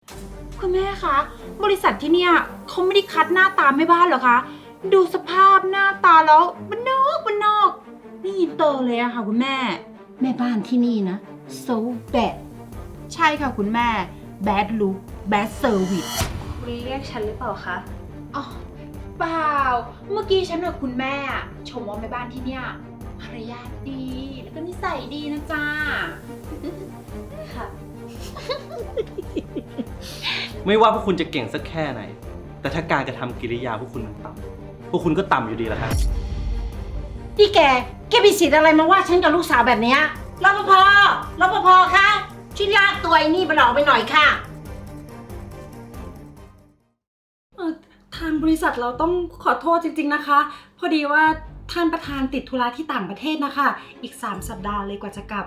คุณแม่คะบริษัทที่เนี่ยเขาไม่ได้คัดหน้าตาแม่บ้านเหรอคะดูสภาพหน้าตาแล้วบ้านนอกนี่อินเตอร์เลยอะค่ะคุณแม่แม่บ้านที่นี่นะ so bad ใช่ค่ะคุณแม่ bad look bad service คุณเรียกฉันหรือเปล่าคะอ๋อเปล่าเมื่อกี้ฉันกับคุณแม่ชมว่าแม่บ้านที่เนี่ยมารยาทดีแล้วก็นิสัยดีนะจ๊ะค่ะไม่ว่าพวกคุณจะเก่งสักแค่ไหน แต่ถ้าการกระทำกิริยาพวกคุณมันต่ำพวกคุณก็ต่ำอยู่ดีแหละครับนี่แกมีสิทธิ์อะไรมาว่าฉันกับลูกสาวแบบเนี้ยรปภรปภคะช่วยลากตัวไอ้นี่มันออกไปหน่อยค่ะทางบริษัทเราต้องขอโทษจริงๆนะคะ พอดีว่าท่านประธานติดธุระที่ต่างประเทศนะคะ อีก3 สัปดาห์เลยกว่าจะกลับ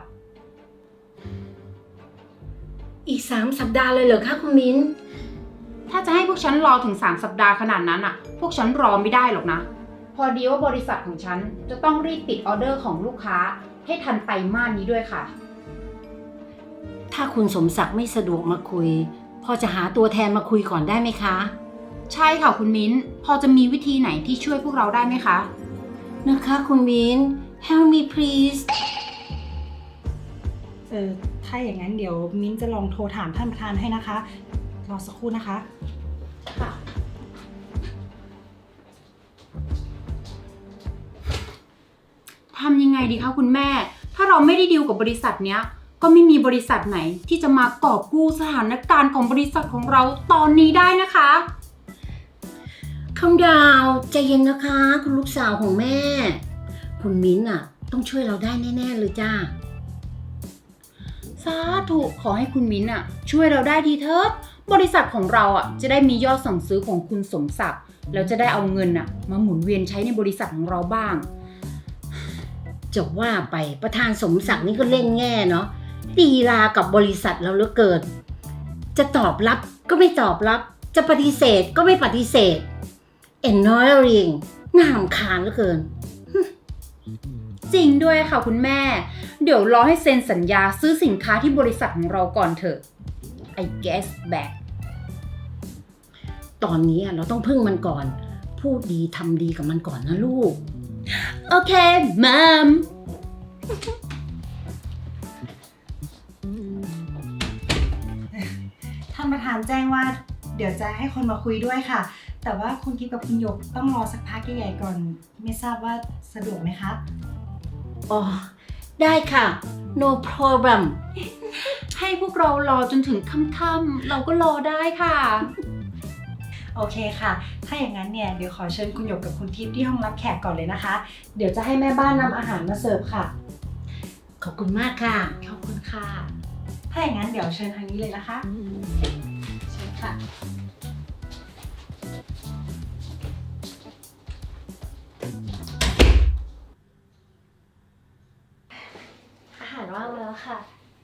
อีก3 สัปดาห์เลยเหรอคะคุณมิ้นถ้าจะให้พวกฉันรอถึง3 สัปดาห์ขนาดนั้นอะพวกฉันรอไม่ได้หรอกนะ พอดีว่าบริษัทของฉันจะต้องรีบปิดออเดอร์ของลูกค้าให้ทันไตรมาสนี้ด้วยค่ะถ้าคุณสมศักดิ์ไม่สะดวกมาคุย พอจะหาตัวแทนมาคุยก่อนได้ไหมคะใช่ค่ะคุณมิ้น พอจะมีวิธีไหนที่ช่วยพวกเราได้ไหมคะนะคะคุณมิ้น help me please ถ้าอย่างนั้นเดี๋ยวมิ้นจะลองโทรถามท่านประธานให้นะคะ รอสักครู่นะคะค่ะ ทำยังไงดีคะคุณแม่ ถ้าเราไม่ได้ดีลกับบริษัทเนี้ย ก็ไม่มีบริษัทไหนที่จะมากอบกู้สถานการณ์ของบริษัทของเราตอนนี้ได้นะคะคำดาวใจเย็นนะคะ คุณลูกสาวของแม่ คุณมิ้นท์ต้องช่วยเราได้แน่ๆเลยจ้าสาธุขอให้คุณมิ้นช่วยเราได้ดีเถิดบริษัทของเราจะได้มียอดสั่งซื้อของคุณสมศักดิ์แล้วจะได้เอาเงินมาหมุนเวียนใช้ในบริษัทของเราบ้างจะว่าไปประธานสมศักดิ์นี่ก็เล่นแง่เนาะลีลากับบริษัทเราเหลือเกินจะตอบรับก็ไม่ตอบรับ จะปฏิเสธก็ไม่ปฏิเสธ annoying น่ารำคาญเหลือเกินจริงด้วยค่ะคุณแม่ เดี๋ยวรอให้เซ็นสัญญาซื้อสินค้าที่บริษัทของเราก่อนเถอะ I guess back ตอนนี้เราต้องพึ่งมันก่อน พูดดีทำดีกับมันก่อนนะลูกโอเคมัมท่านประธานแจ้งว่าเดี๋ยวจะให้คนมาคุยด้วยค่ะ แต่ว่าคุณกิฟกับคุณหยกต้องรอสักพักใหญ่ๆก่อน ไม่ทราบว่าสะดวกไหมคะอ๋อ ได้ค่ะ no problem ให้พวกเรารอจนถึงค่ำๆเราก็รอได้ค่ะโอเคค่ะ ถ้าอย่างนั้นเนี่ยเดี๋ยวขอเชิญคุณหยกกับคุณทิพย์ที่ห้องรับแขกก่อนเลยนะคะ เดี๋ยวจะให้แม่บ้านนำอาหารมาเสิร์ฟค่ะขอบคุณมากค่ะขอบคุณค่ะ ถ้าอย่างนั้นเดี๋ยวเชิญทางนี้เลยนะคะ เชิญค่ะอาหารว่างแล้วค่ะ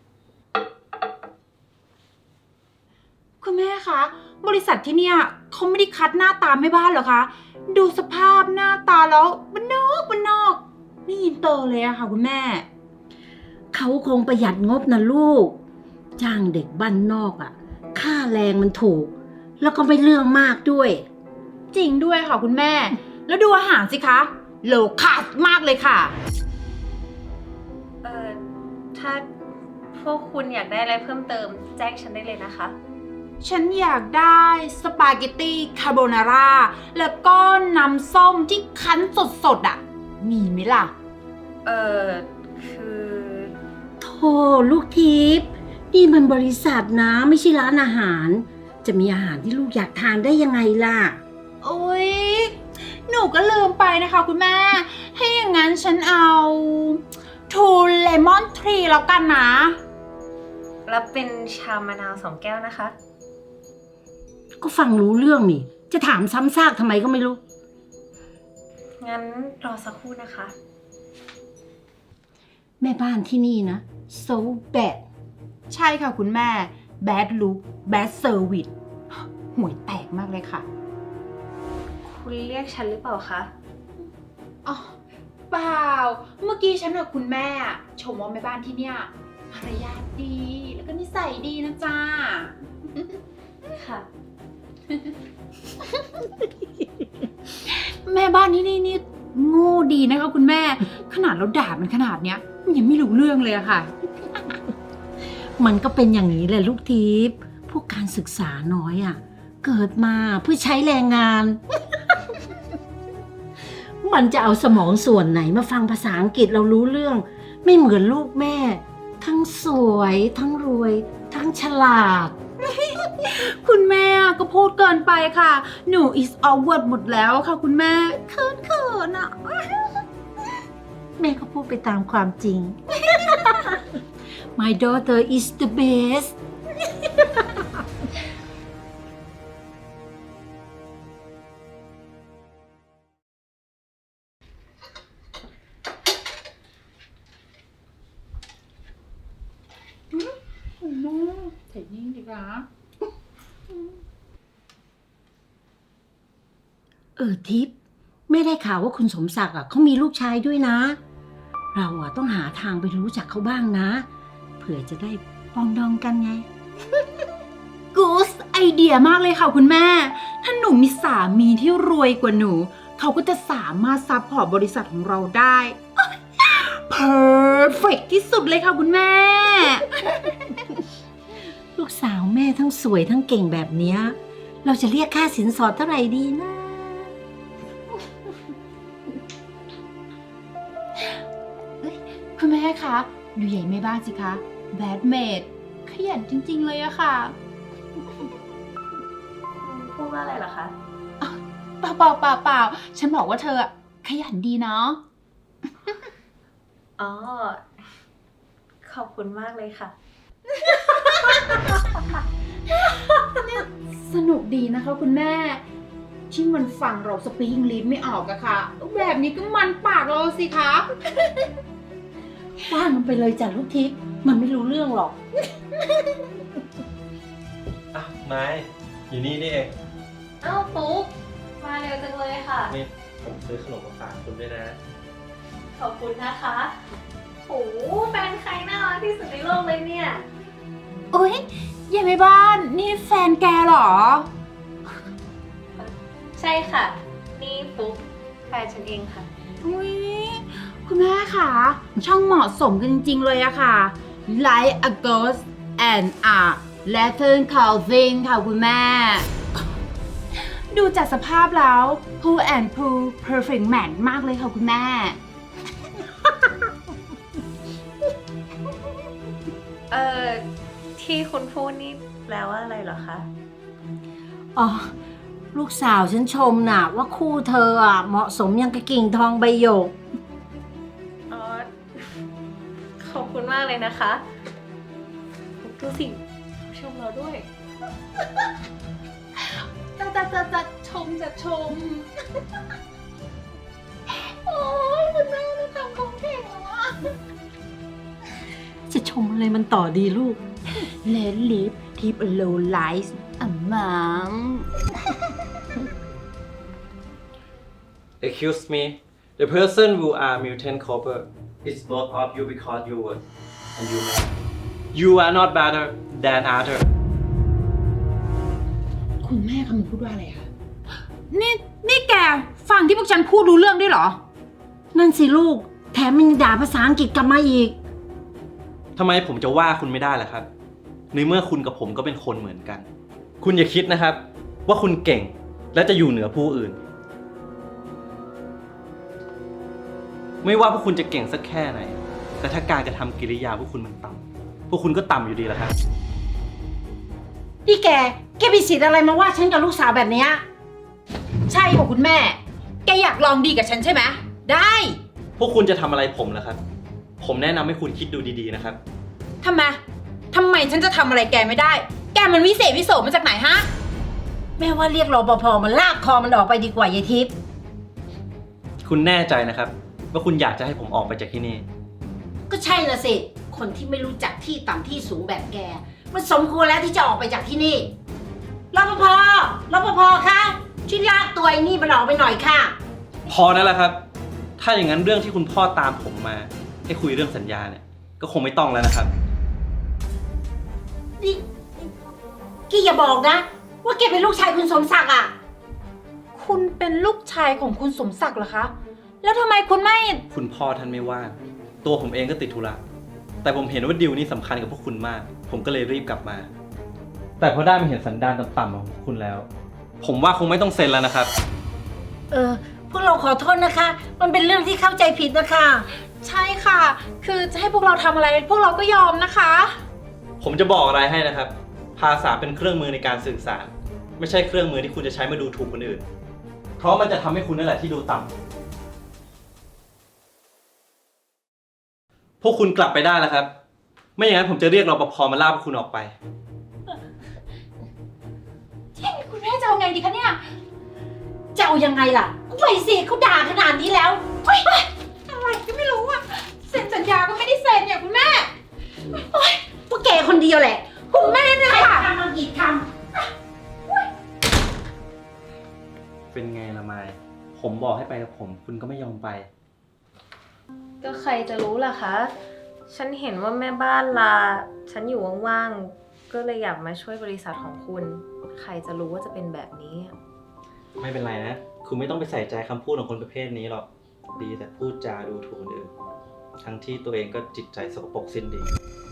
คุณแม่คะบริษัทที่เนี่ยเขาไม่ได้คัดหน้าตาแม่บ้านเหรอคะดูสภาพหน้าตาแล้วบ้านนอกนี่อินเตอร์เลยอะค่ะคุณแม่เขาคงประหยัดงบนะลูก จ้างเด็กบ้านนอกค่าแรงมันถูก แล้วก็ไม่เรื่องมากด้วยจริงด้วยค่ะคุณแม่ แล้วดูอาหารสิคะโลคาสมากเลยค่ะถ้าพวกคุณอยากได้อะไรเพิ่มเติมแจ้งฉันได้เลยนะคะฉันอยากได้สปาเกตตี้คาโบนาร่าแล้วก็น้ำส้มที่คั้นสดมีไหมล่ะคือโธ่ลูกทิพย์นี่มันบริษัทนะไม่ใช่ร้านอาหาร จะมีอาหารที่ลูกอยากทานได้ยังไงล่ะโอ๊ย หนูก็ลืมไปนะคะคุณแม่ ให้อย่างนั้นฉันเอาทูเลมอนทรีแล้วกันนะรับเป็นชามะนาว2 แก้วนะคะก็ฟังรู้เรื่องนี่ จะถามซ้ำซากทำไมก็ไม่รู้งั้นรอสักครู่นะคะแม่บ้านที่นี่นะ so bad ใช่ค่ะคุณแม่ bad look bad service ห่วยแตกมากเลยค่ะคุณเรียกฉันหรือเปล่าคะอ๋อเปล่า เมื่อกี้ฉันกับคุณแม่ชมว่าแม่บ้านที่เนี่ยมารยาทดีแล้วก็นิสัยดีนะจ๊ะค่ะแม่บ้านนี่โง่ดีนะคะคุณแม่ ขนาดเราด่ามันขนาดเนี้ยมันยังไม่รู้เรื่องเลยอะค่ะมันก็เป็นอย่างนี้แหละลูกทิพย์พวกการศึกษาน้อยอ่ะ เกิดมาเพื่อใช้แรงงาน มันจะเอาสมองส่วนไหนมาฟังภาษาอังกฤษเรารู้เรื่อง ไม่เหมือนลูกแม่ ทั้งสวยทั้งรวย ทั้งฉลาดคุณแม่ก็พูดเกินไปค่ะ หนู is awkward หมดแล้วค่ะคุณแม่เขินอะแม่ก็พูดไปตามความจริง My daughter is the best ใส่นิ่งดีกว่าทิพย์ไม่ได้ข่าวว่าคุณสมศักดิ์อ่ะเขามีลูกชายด้วยนะ เราอ่ะต้องหาทางไปรู้จักเขาบ้างนะ เผื่อจะได้ปองดองกันไงกูสไอเดียมากเลยค่ะคุณแม่ ถ้าหนูมีสามีที่รวยกว่าหนู เขาก็จะสามารถซัพพอร์ตบริษัทของเราได้ perfect ที่สุดเลยค่ะคุณแม่ลูกสาวแม่ทั้งสวยทั้งเก่งแบบเนี้ยเราจะเรียกค่าสินสอดเท่าไหร่ดีนะคุณแม่คะดูใหญ่ไม่บ้างสิคะแบดเมดขยันจริงๆเลยอะค่ะพูดว่าอะไรเหรอคะเปล่าฉันบอกว่าเธออะขยันดีเนาะอ๋อ ขอบคุณมากเลยค่ะสนุกดีนะคะคุณแม่ ที่มันฟังเราสปีกอังกฤษไม่ออกอะค่ะ แบบนี้ก็มันปากเราสิคะว่ามันไปเลยจ้ะลูกทิพย์มันไม่รู้เรื่องหรอกอ่ะไม้อยู่นี่นี่เองเอ้าปุ๊กมาเร็วจังเลยค่ะนี่ผมซื้อขนมมาฝากคุณด้วยนะขอบคุณนะคะโอ้แฟนใครน่ารักที่สุดในโลกเลยเนี่ยโอ๊ยยายแม่บ้านนี่แฟนแกเหรอใช่ค่ะ นี่ปุ๊กแฟนฉันเองค่ะอุ๊ยคุณแม่ค่ะช่างเหมาะสมกันจริงๆเลยอะค่ะ Like a ghost and a lantern calving ค่ะคุณแม่ ดูจากสภาพแล้ว Pooh and Pooh perfect match มากเลยค่ะคุณแม่ที่คุณพูดนี่แปลว่าอะไรเหรอคะอ๋อ ลูกสาวฉันชมน่ะ ว่าคู่เธออ่ะเหมาะสมยังกับกิ่งทองใบหยกอ๋อ ขอบคุณมากเลยนะคะดูสิชมเราด้วยจะชมจะชม โอ้ยคุณแม่ไม่ทำของเก่งแล้วอะจะชมอะไรมันต่อดีลูก Let live keep a low life among Excuse me the person who are mutant copper is both of you because you were and you man you are not better than other คุณแม่คำนึงพูดว่าอะไรคะนี่แกฟังที่พวกฉันพูดรู้เรื่องด้วยเหรอนั่นสิลูก แถมมันด่าภาษาอังกฤษกลับมาอีกทำไมผมจะว่าคุณไม่ได้ล่ะครับ ในเมื่อคุณกับผมก็เป็นคนเหมือนกัน คุณอย่าคิดนะครับ ว่าคุณเก่งและจะอยู่เหนือผู้อื่น ไม่ว่าพวกคุณจะเก่งสักแค่ไหน แต่ถ้าการกระทำกิริยาพวกคุณมันต่ำพวกคุณก็ต่ำอยู่ดีแหละครับนี่แกมีสิทธิ์อะไรมาว่าฉันกับลูกสาวแบบเนี้ยใช่ค่ะคุณแม่ แกอยากลองดีกับฉันใช่ไหมได้พวกคุณจะทำอะไรผมล่ะครับ ผมแนะนำให้คุณคิดดูดีๆนะครับทำไมฉันจะทำอะไรแกไม่ได้ แกมันวิเศษวิโสมาจากไหนฮะแม่ว่าเรียกรปภมันลากคอมันออกไปดีกว่ายายทิพย์คุณแน่ใจนะครับ ว่าคุณอยากจะให้ผมออกไปจากที่นี่ก็ใช่น่ะสิ คนที่ไม่รู้จักที่ต่ำที่สูงแบบแก มันสมควรแล้วที่จะออกไปจากที่นี่รปภคะช่วยลากตัวไอ้นี่มันออกไปหน่อยค่ะพอนั่นแหละครับ ถ้าอย่างนั้นเรื่องที่คุณพ่อตามผมมาให้คุยเรื่องสัญญาเนี่ย ก็คงไม่ต้องแล้วนะครับนี่แกอย่าบอกนะว่าแกเป็นลูกชายคุณสมศักดิ์อ่ะคุณเป็นลูกชายของคุณสมศักดิ์เหรอคะ แล้วทำไมคุณไม่คุณพ่อท่านไม่ว่าง ตัวผมเองก็ติดธุระ แต่ผมเห็นว่าดีลนี้สำคัญกับพวกคุณมาก ผมก็เลยรีบกลับมา แต่พอได้มาเห็นสันดานต่ำๆของคุณแล้ว ผมว่าคงไม่ต้องเซ็นแล้วนะครับพวกเราขอโทษนะคะ มันเป็นเรื่องที่เข้าใจผิดนะคะใช่ค่ะ คือจะให้พวกเราทำอะไร พวกเราก็ยอมนะคะผมจะบอกอะไรให้นะครับ ภาษาเป็นเครื่องมือในการสื่อสาร ไม่ใช่เครื่องมือที่คุณจะใช้มาดูถูกคนอื่น เพราะมันจะทำให้คุณนั่นแหละที่ดูต่ำพวกคุณกลับไปได้แล้วครับ ไม่อย่างนั้นผมจะเรียกรปภมาลากพวกคุณออกไปคุณแม่จะเอาไงดีคะเนี่ยจะเอายังไงล่ะไปสิเขาด่าขนาดนี้แล้วอะไรก็ไม่รู้อะเซ็นสัญญาก็ไม่ได้เซ็นเนี่ยคุณแม่พวกแกคนเดียวแหละคุณแม่เนี่ยค่ะทำมากี่คเป็นไงละไมผมบอกให้ไปกับผม คุณก็ไม่ยอมไปก็ใครจะรู้ล่ะคะ ฉันเห็นว่าแม่บ้านลา ฉันอยู่ว่างๆ ก็เลยอยากมาช่วยบริษัทของคุณ ใครจะรู้ว่าจะเป็นแบบนี้ไม่เป็นไรนะ คุณไม่ต้องไปใส่ใจคำพูดของคนประเภทนี้หรอก ดีแต่พูดจาดูถูกคนอื่น ทั้งที่ตัวเองก็จิตใจสกปรกสิ้นดี